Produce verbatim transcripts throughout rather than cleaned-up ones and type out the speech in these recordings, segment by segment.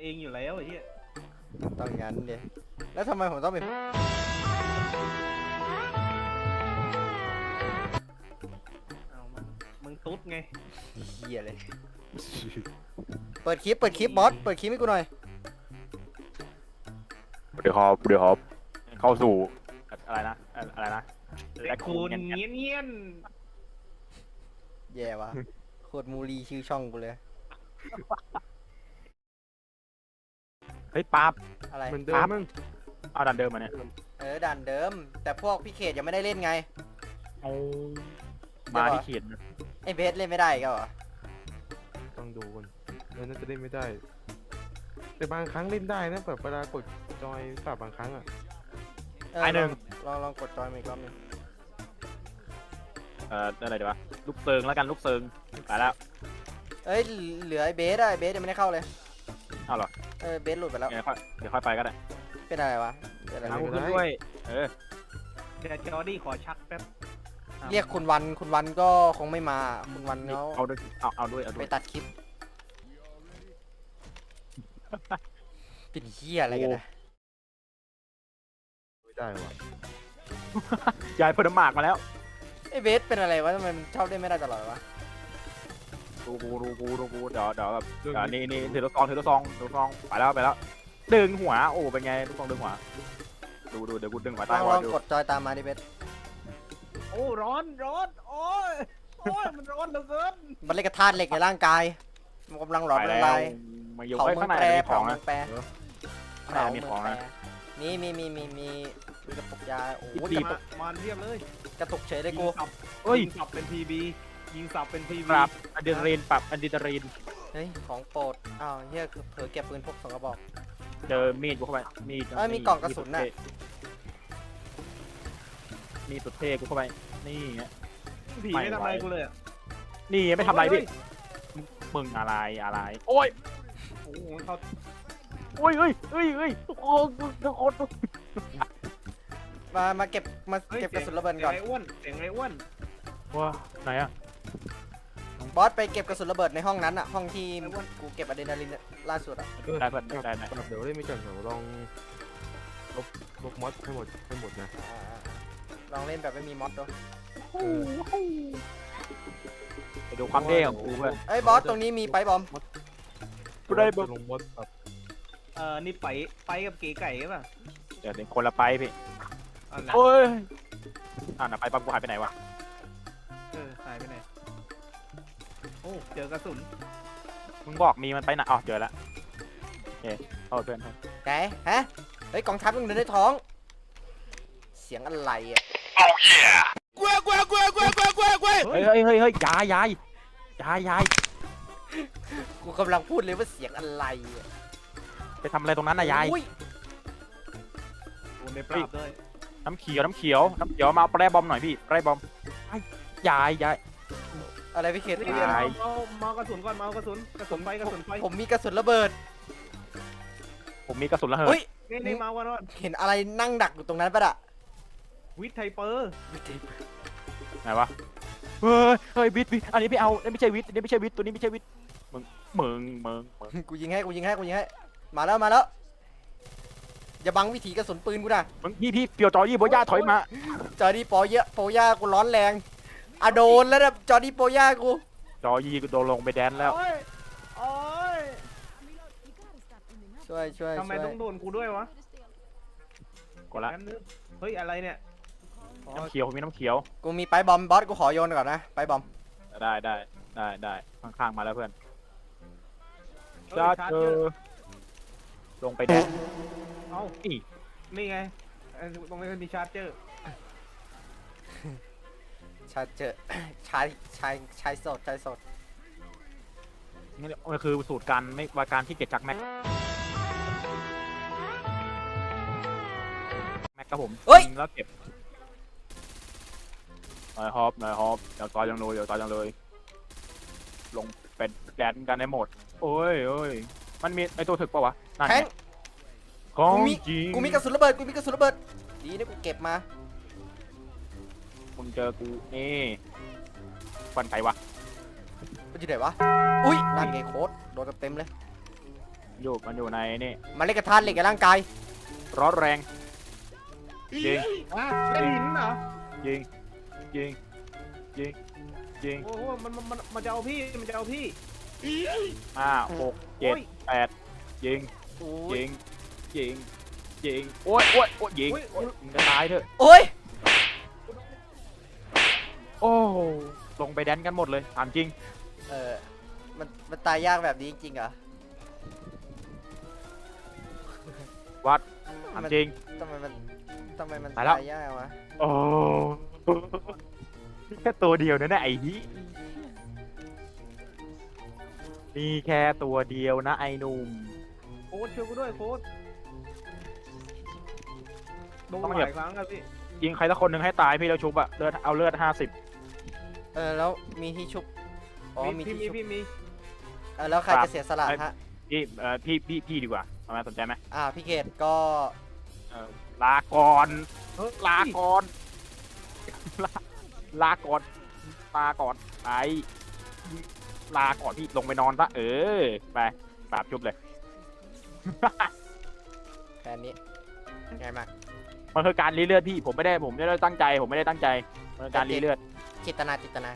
เองอยู่แล้วไอ้เหี้ยต้องงั้นเดียแล้วทำไมผมต้องเป็นเอามามึงตุ๊ดไงเฮียเลยเปิดคลิปเปิดคลิปบอสเปิดคลิปให้กูหน่อยเดี๋ยวฮอปเดี๋ยวฮอปเข้าสู่อะไรนะอะไรนะแลคคูนเงี้ยเงี้ยนแย่วะโคตรมูลีชื่อช่องกูเลยเฮ้ยปั๊บอะไรเหมือนเดิมมึงเอาดันเดิมมาเนี่ยเออด่านเดิมแต่พวกพี่เขตยังไม่ได้เล่นไงเอามาที่เขียนไอเบสเล่นไม่ได้ก็เหรอต้องดูกันแล้วน่าจะเล่นไม่ได้แต่บางครั้งเล่นได้นะแบบเวลากดจอยปรับบางครั้งอ่ะไอหนึ่งลองลองกดจอยมาอีกรอบนึงเอ่ออะไรดีวะลูกเซิงแล้วกันลูกเซิงไปแล้วเอ้ยเหลือไอเบสอะไอเบสยังไม่ได้เข้าเลยเอาหรอเออเบสหลุดไปแล้วเดี๋ยวค่อยเดี๋ยวค่อยไปก็ได้เป็นอะไรวะเป็นอะไรเอาขึ้นด้วยเออเดี๋ยวจอร์ดี้ขอชักแป๊บเรียกคุณวันคุณวันก็คงไม่มาคุณวันเขาเอาด้วยเอาเอาด้วยเอาด้ไปวยตัดคลิปเป็นเหี้ยอะไรกันนะไม่ได้วะยายเพิ่มน้ำหมากมาแล้วไอเบสเป็นอะไรวะทำไมมันชอบเล่นไม่ได้ตลอดวะดูกูดูกูดูกูเดี๋ยวเดี๋ยวแบบนี่นี่ถือลูกซองถือลูกซองถือลูกซองไปแล้วไปแล้วดึงหัวโอ้เป็นไงลูกซองดึงหัวดูดูเดี๋ยวกูดึงหัวลตาอย งลองกดจอยตามมาดิเบสโอ้ร้อนร้อนโอ้ยโอ้ยมันร้อนเหลือเกินมันเล่นกระธาตุเหล็กในร่างกายมันกำลังหลอมละลายมาอยู่เผาข้างเมืองในแปรมีขเผาองเมืนะองแปรข้างในมีของนะมีมีมีมีมีมีกระปุกยาโอ้โหจะมามาเรียบเลยกระตุกเฉยเลยกูเฮ้ยยิงสับเป็นพีบียิงสับเป็นพีปบีรับอะดรีนาลีนปรับอะดรีนาลีนเฮ้ยของโปรดอ้าวเฮียคือเผลอเก็บปืนพกสองกระบอกเจอมีดกูเข้าไปมีดเอ้ยมีกล่องกระสุนน่ะมีสุดเท่กูเข้าไปนี่ไงผีไม่ทำอะไรกูเลยนี่ไม่ทำอะไรพี่มึงอะไรอะไรโอ้ยโอ้โหเขาโอ้ยเฮ้ยเฮ้ยเฮ้ยทุกคนทุกคนมามาเก็บมาเก็บกระสุนระเบิดก่อนเสียงไอ้อ้วนเสียงไอ้อ้วนว้าไหนอะบอสไปเก็บกระสุนระเบิดในห้องนั้นอะห้องที่กูเก็บอะดรีนาลินล่าสุดอะได้เพื่อนได้ได้เดี๋ยวเล่นไม่ก่อนเดี๋ยวลองลบลบมอดให้หมดให้หมดนะอ่าลองเล่นแบบไม่มีมอดด้วยไปดูความเท่ของกูเพื่อนเอ้ยบอสตรงนี้มีไปบอมกูได้บลงมอดแบบเออนี่ไปไปกับเก๋ไก่ป่ะเดี๋ยวเป็นคนละไปพี่อ๋อนะโอ้ยอ่านะไปปั๊บกูหายไปไหนวะเออหายไปไหนโอ้เจอกระสุนมึงบอกมีมันไปไหนอ๋อเจอแล้วโอเคโทษเพื่อนไหนฮะเฮ้ยกองทัพต้องเดินในท้อง เสียงอะไรอะเฮ้ยเฮ้ยเฮ้ยเฮ้ยยายยายยายยายกูกำลังพูดเลยว่าเสียงอะไรอะไปทำอะไรตรงนั้นน่ะยายอุ้ยโอ้ในปราบด้วยน้ำเขียวน้ำเขียวน้ำเขียวมาแปรบอมหน่อยพี่แปรบอมยายยายอะไรพี่เขตเฮ้ยเรียนยายเมาเมากระสุนก่อนเมากระสุนกระสุนไฟกระสุนไฟผมมีกระสุนระเบิดผมมีกระสุนระเหิดเฮ้ยนี่นี่เมากันว่าเห็นอะไรนั่งดักอยู่ตรงนั้นปะอะวิทไทเปอร์ไหนวะเฮ้ยเฮ้ยวิทวิทอันนี้ไม่เอาอันนี้ไม่ใช่วิทอันนี้ไม่ใช่วิทตัวนี้ไม่ใช่วิทมึงมึงมึงมึงกูยิงให้กูยิงให้กูยิงให้มาแล้วมาแล้วอย่าบังวิถีกระสุนปืนกูนะมึงพี่พี่เปียวจอยี่โบย่าถอยมาจอร์ดี้โปเยอะโปย่ากูร้อนแรงอะโดนแล้วนะจอร์ดี้โปย่ากูจอยี่กูโดนลงไปแดนแล้วโอ้ยโอ้ยช่วยช่วยทำไมช่วยต้องโดนกูด้วยวะกดละงั้นนึกเฮ้ยอะไรเนี่ยน้ำเขียวมีน้ำเขียวกูมีไปบอมบอสกูขอโยนก่อนนะไปบอมได้ได้ได้ได้ข้างๆมาแล้วเพื่อนเฮ้ยจ้าชาร์เจเจออร์ลงไปแดนเอ้าอีนี่ไงเอ้ยตรงนี้มันมีชาร์เจอร์ชายเจอ ชายชายชายสดชายสดนี่มันคือสูตรการไม่ว่าการที่เก็บจากแม็กแม็กครับผมยิงแล้วเก็บนายฮอปนายฮอปเดี๋ยวตายยังเลยเดี๋ยวตายยังเลย ลงเป็นแดนกันในโหมดโอ้ยโอ้ยมันมีไอตัวถึกปะวะนั่นแทไงงของกูมีจริงกูมีกระสุนระเบิดกูมีกระสุนระเบิดดีนะกูเก็บมามึงเจอกูนี่ฟันใครวะมันอยู่ไหนวะอุ้ยนั่นไงโค้ดโดนเต็มเลยอยู่มันอยู่ในนี่มันเล่นกับธาตุเหล็กกับร่างกายร้อนแรงยิงอ่ะเล่นหินเหรอยิงยิงยิงยิงโอ้โหมันมันมันมันจะเอาพี่มันจะเอาพี่ห้าหกเจ็ดโอ้ยแปดยิงโอ้ยยิงยิงยิงโอ้ยโอ้ยโอ้ยยิงโอ้ยโอ้ยยิงจะตายเถอะโอ้ยโอ้ลงไปแดนกันหมดเลยถามจริงเออมันมันตายยากแบบนี้จริงๆเหรอวัดถามจริงทำไมมันทำไมมันตายแล้วตายยากวะโอ้แค่ตัวเดียวนะเนี่ยไอ้ฮีมีแค่ตัวเดียวนะไอ้หนุ่มโค้ดช่วยกูด้วยโค้ดโดนต้องหเหยียบลายครั้งครับพี่ยิงใครสักคนหนึ่งให้ตายพี่แล้วชุบอะเลือดเอาเลือดห้าสิบเออแล้วมีที่ชุบอ๋อมีพี่ที่มีชุบพี่มีเออแล้วใครจะเสียสละฮะพี่เอ่อพี่พี่พี่ดีกว่าทำไมสนใจไหมอ่าพี่เกดก็เอ่อลาก่อนเฮ้ยลาก่อนลาลาก่อนลาก่อนไอลาก่อนพี่ลงไปนอนซะเออไปปราบชุบเลยแค่นี้ง่ายมากมันคือการรีเลือดพี่ผมไม่ได้ผมไม่ได้ตั้งใจผมไม่ได้ตั้งใจมันคือการรีเลือดจิตนาจิตนา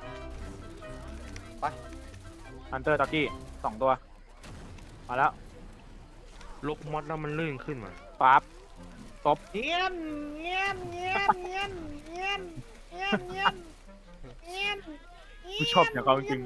ฮันเตอร์ตอกี้สองตัวมาแล้วลูกมอดแล้วมันลื่นขึ้นมาปั๊บเงี้ยนเงี้ยนเงี้ยนเงี้ยนเงี้ยนเงี้ยนเงี้ยนเงี้ยนกูชอบอย่างเขาจริง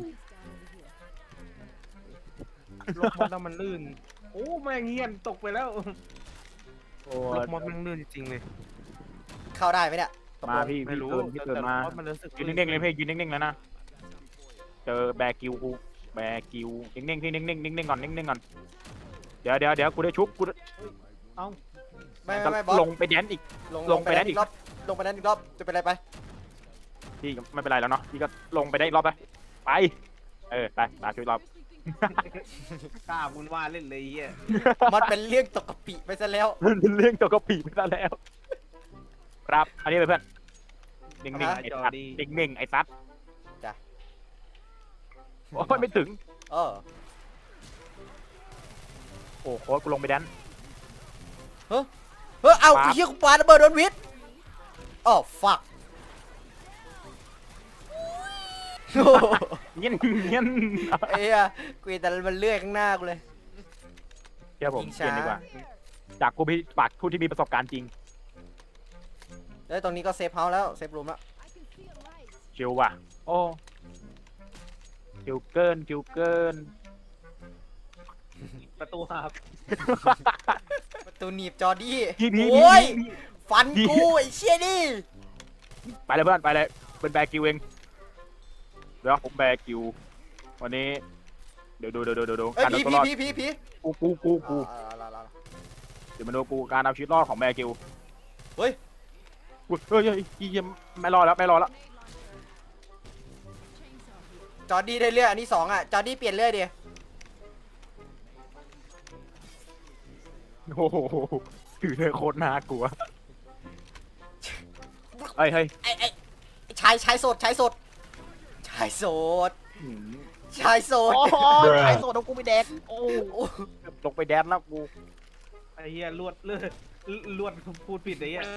ลูกมอดแล้วมันลื่นโอ้แม่งเงี้ยนตกไปแล้วโอ้ลูกมอดมันลื่นจริงๆเลยเข้าได้ไหมเนี่ยตกลมาง พี่ไม่พี่รู้เกินพี่เกินมาแต่มอดมันรู้สึกยืนนิ่งๆเลยพี่ยืนนิ่งๆแล้วนะเจอแบกิวกูแบกิวนิ่งๆพี่นิ่งๆนิ่งๆก่อนนิ่งๆก่อนเดี๋ยวเดี๋ยวเดี๋ยวกูได้ชุบกูไม่ไม่ไม่บอสลงไปแดนอีกลงลงไปได้อีกรอบลงไปนั้นอีกรอบจะเป็นไรไปพี่ก็ไม่เป็นไรแล้วเนาะพี่ก็ลงไปได้อีกรอบไปไปเออไปตาช่วยรอบกล้าบุญว่าเล่นเลยไอ้เฮียมันเป็นเรื่องตกกะปิไปซะแล้วมันเป็นเรื่องตัวกระปีไปซะแล้วครับอันนี้ไปเพื่อนนิ่งๆไอ้ซัดนิ่งๆไอ้ซัดจ้ะโอ้ยไม่ถึงเออโอ้โค้ดกูลงไปแดนเฮ้ยเอาปั๊บไอ้เหี้ยกูปาระเบิดโดนวิทย์อ๋อฟักเงี้ยเงี้ยไอ้เหี้ยกูเห็นแต่มันเลื่อยข้างหน้ากูเลยเชื่อผมยิงเปช้าลี่ยนดีกว่าจากกูพี่ปากผู้ที่มีประสบการณ์จริงแล้วตรงนี้ก็เซฟเฮาส์แล้วเซฟรูมแล้วชิวว่ะโอ้ชิวเกินชิวเกินประตูหักประตูหนีบจอดี้พี่พี่โอ้ยพี่ฟันกูไอ้เชี่ยนี่ไปเลยเพื่อนไปเลยเป็นแบกิวเองเดี๋ยวผมแบกิววันนี้เดี๋ยวดูเดี๋ยวดูเดี๋ยวดูเอ้ยการผีเอาตัวรอดผีผีผีกูกูกูกูอ่าเอาเอาเอาเดี๋ยวมาดูกูการเอาชีวิตรอดของแบกิวเฮ้ยอุ๊ยเฮ้ยเฮ้ยอีเยี่ยมไม่รอดแล้วไม่รอดแล้วจอดี้ได้เลื่อยอันที่สองอ่ะจอดี้เปลี่ยนเลื่อยดิโอ้โหถือเลยโคตรน่ากลัวเฮ้ยเฮ้ยไอ้ไอ้ไอ้ชายชายโสดชายโสดชายโสดหืมชายโสดโอ้ยไอ้โซดเอากูไปแดกโอ้โอ้ลงไปแดนแล้วกูไอ้เฮียลวดเลือดลวดพูดผิดไอ้เฮีย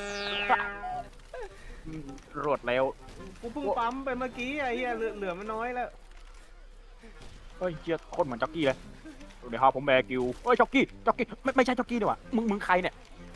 รวดเร็วกูเพิ่งปั๊มไปเมื่อกี้ไอ้เฮียเหลือเหลือไม่น้อยแล้วเฮ้ยเจี๊ยโคตรเหมือนจ็อกกี้เลยเดี๋ยวครับผมแบกิวเฮ้ยจ็อกกี้จ็อกกี้ไม่ไม่ใช่จ็อกกี้ดีกว่ามึงมึงใครเนี่ย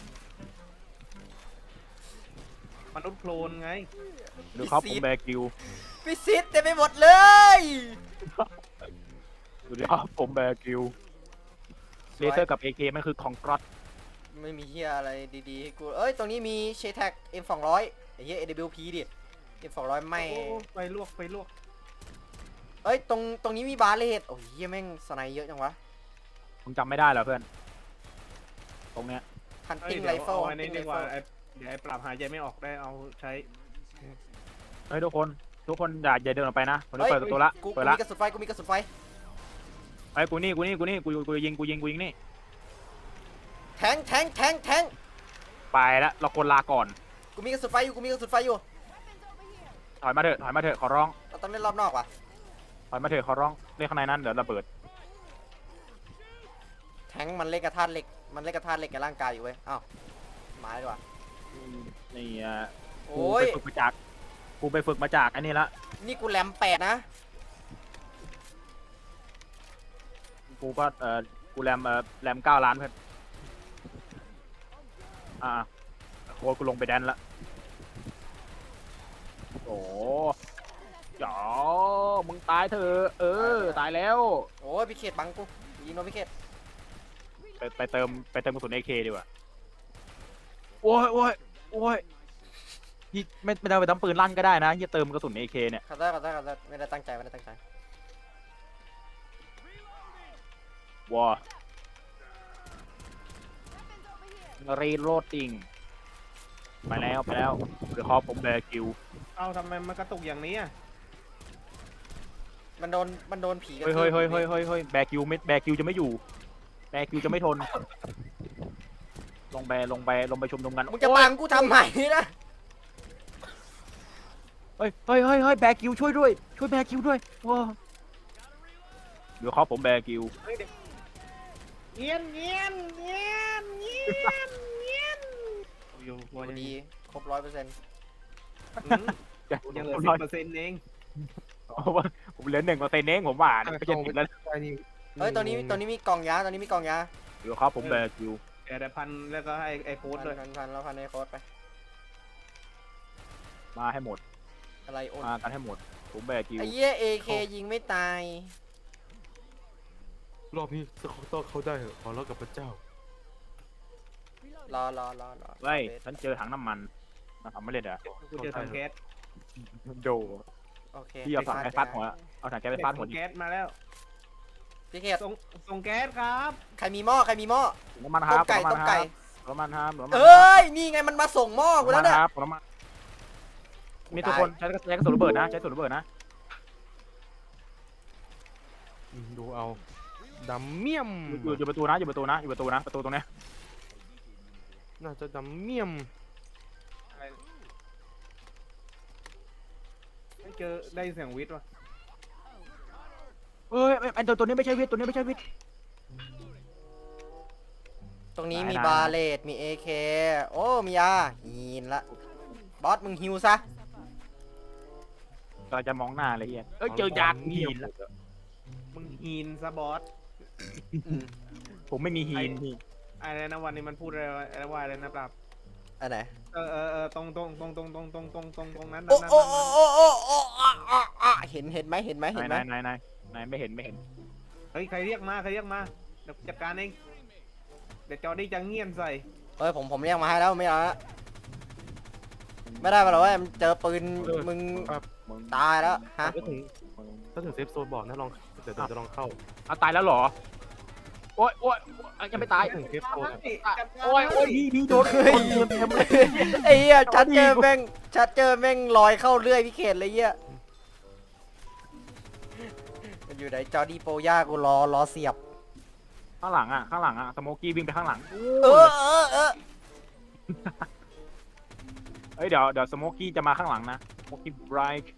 มนุษย์โคลนไงเดี๋ยวครับผมแบกิวพิซิตเต็มไปหมดเลยเดี๋ยวครับผมแบกิวเลเซอร์กับ เอ เค มันคือของกรอตไม่มีเฮียอะไรดีๆให้กูเอ้ยตรงนี้มีเชแท็ก เอ็ม สองร้อยไอ้เฮีย เอ ดับเบิลยู พี ดิ เอ็ม สองร้อยไม่โอ้ไปลวกไปลวกเอ้ยตรงตรงนี้มีบาร์เลดโอ้ยเฮียแม่งสไนเยอะจังวะมึงจำไม่ได้เหรอเพื่อนตรงเนี้ยฮันเอ้ยติ้งเดี๋ไรยวเฟิลเอาฮัอันนติ้นี้งไรดีกว่าเฟิลไอ้เดี๋ยวไอ้ปรับหายใจไม่ออกได้เอาใช้เฮ้ยทุกคนทุกคนอย่าอย่าเดินออกไปนะผมจะเปิดประตูละกูเปิดกูละมีกระสุนไฟกูมีกระสุนไฟไอ้ยกูนี่กูนี่กูนี่กูกูยิงกูยิงกูยิงนี่แทงแทงแทงแทงไปแล้วเราคนลาก่อนกูมีกระสุนไฟอยู่กูมีกระสุนไฟอยู่ถอยมาเถอะถอยมาเถอะขอร้องเราต้องเล่นรอบนอกว่ะถอยมาเถอะขอร้องเล่นข้างในนั้นเดี๋ยวระเบิดทงค์มันเล่นกับธาตุเหล็กมันเล่นกับธาตุเหล็กกับร่างกายอยู่เว้ยอ้าวมาดีกว่านี่อ่ะกูโอ้ยไปฝึกมาจากกูไปฝึกมาจากอันนี้ละนี่กูแรมแปดนะกูก็เออกูแรมเออแรมเก้าล้านเพื่อนอ่าโค้ดกูลงไปแดนละโอ้จ๋อมึงตายเถอะเออตายแล้วโอ้ยพี่เขตบังกูยิงโดนพี่เขตไปไปเติมไปเติมกระสุน เอ เค ดีกว่าโอ้ยโอ้ยโอ้ยยี่ไม่ไม่ได้ไปทำปืนลั่นก็ได้นะยี่เติมกระสุน เอ เค เนี่ยขับได้ขับได้ขับได้ไม่ได้ตั้งใจไม่ได้ตั้งใจว้ารีโรดติ้งไปแล้วไปแล้วเดี๋ยวคอผมแบกิวเอาทำไมมันกระตุกอย่างนี้อ่ะมันโดนมันโดนผีกระเฮ้ยทืเฮ้ยบเฮ้ยเฮ้ยเฮ้ยเฮ้ยแบกิวไม่แบกิวจะไม่อยู่แบกิวจะไม่ทน ลงไปลงไปลงไปชุมนุมกันมึงจะบังกูทำไมนะเฮ้ยเฮ้ยเฮ้ยเฮ้ยแบกิวช่วยด้วยช่วยแบกิวด้วยว้าเดี๋ยวคอผมแบกิวเงียนเงียนเงียนเงียนเงียนอยู่โอ้ดีครบร้อยเปอร์เซ็นต์ยังเหลือสิบเปอร์เซ็นต์เองผมเหลือหนึ่งเปอร์เซ็นต์เองผมว่าไม่ใช่สิบแล้วใช่นี่เฮ้ยตอนนี้ตอนนี้มีกล่องยาตอนนี้มีกล่องยาเดี๋ยวครับผมแบกิวเดี๋ยวแต่พันแล้วก็ให้ไอ้โค้ดพันด้วยพันพันแล้วพันในโค้ดไปมาให้หมดอะไรโอนมากันให้หมดผมแบกิวไอ้เหี้ยเอเคยิงไม่ตายรอบนี้จะเขาต้องเขาได้เหรอขอร้องกับพระเจ้ารอรอรอรอเฮ้ยฉันเจอถังน้ำมันนะครับไม่เล่นเหรอกูจะทำแก๊สโดโอเคพี่เอาถังแก๊สฟาดหัวเอาถังแก๊สไปฟาดหัวดิแก๊สมาแล้วพี่เขตส่งส่งแก๊สครับใครมีหม้อใครมีหม้อน้ำมันคต้รัมบไก่น้ำมัต้นมคไก่รับน้ำมันครับน้ำมันเอ้ยนี่ไงมันมาส่งหม้อกูแล้วน้ำมันเนี่ยครับน้ำมันมีทุกคนใช้ใช้กระสุนระเบิดนะใช้กระสุนระเบิดนะอืมดูเอาดำเมี่ยมอยู่อยู่ประตูนะอยู่ประตูนะอยู่ประตูนะประตูตรงนี้น่าจะดำเมี่ยมไม่เจอได้ยินเสียงวิทย์วะเอ้ยไอ้ตัวตัวนี้ไม่ใช่วิทย์ตัวนี้ไม่ใช่วิทย์ตรงนี้ได้มีได้บาเลตมีเอเคโอ้มียาฮีนละบอสมึงฮิวซะเราจะมองหน้าเลยเฮียเอ้ยเจอยากหินแล้วมึงฮีนซะบอสอืมผมไม่มีหินพี่อะไรนะวันนี้มันพูดอะไรวะอะไรว่าอะไรนะปราบอันไหนเออเออเออตรงตรงตรงตรงตรงตรงตรงตรงตรงนั้นโอ้นั้นโอ้นั้นโอ้โอ้โอ้โอ้อ่ะอ่ะอ่ะเห็นเห็นไหมเห็นไหมเห็นไหนมายนายนายนายไม่เห็นไม่เห็นเฮ้ยใครเรียกมาใครเรียกมาเดี๋ยวจัดการเองเดี๋ยวจอดี้จะเงียบใส่เฮ้ยผมผมเรียกมาให้แล้วไม่เอาละไม่ได้ปะหรอว่าเจอปืนมึงมึงตายแล้วฮะถ้าถึงถ้าถึงเซฟโซนบอกนะลองเดี๋ยวเดี๋ยวจะลองเข้าเอาตายแล้วเหรอโอ้ยโอ้ยยังไม่ตายถ้าถึงเซฟโซนอะโอ้ยโอ้ยพี่พี่โดนโดนเต็มเต็มเลยไอ้เหี้ยชัดเจอแม่งชัดเจอแม่งลอยเข้าเรื่อยพี่เขตเลยเหี้ยมันอยู่ไหนจอดีโปย่ากูรอรอเสียบข้างหลังอ่ะข้างหลังอ่ะสโมกี้วิ่งไปข้างหลังเออเออเออเอ้ยเดี๋ยวเดี๋ยวสโมกี้จะมาข้างหลังนะสโมกี้ไบรท์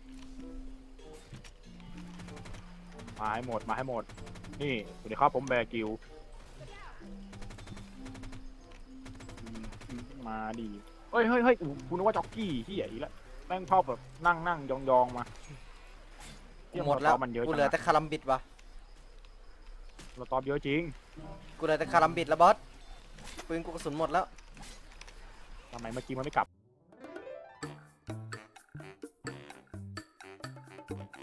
มาให้หมดมาให้หมดนี่สวัสดีครับผมแบร์กิวมาดีเฮ้ยเฮ้ยเฮ้ยคุณนึกว่าจ็อกกี้ที่ใหญ่แล้วแม่งชอบแบบนั่งนั่งยองยองมาหมดแล้วมันเยอะกูจังเหลือนะแต่คารัมบิดวะเราตอบเยอะจริงกูเหลือแต่คารัมบิดแล้วบอสปืนกูกระสุนหมดแล้วทำไมเมื่อกี้มันไม่กลับ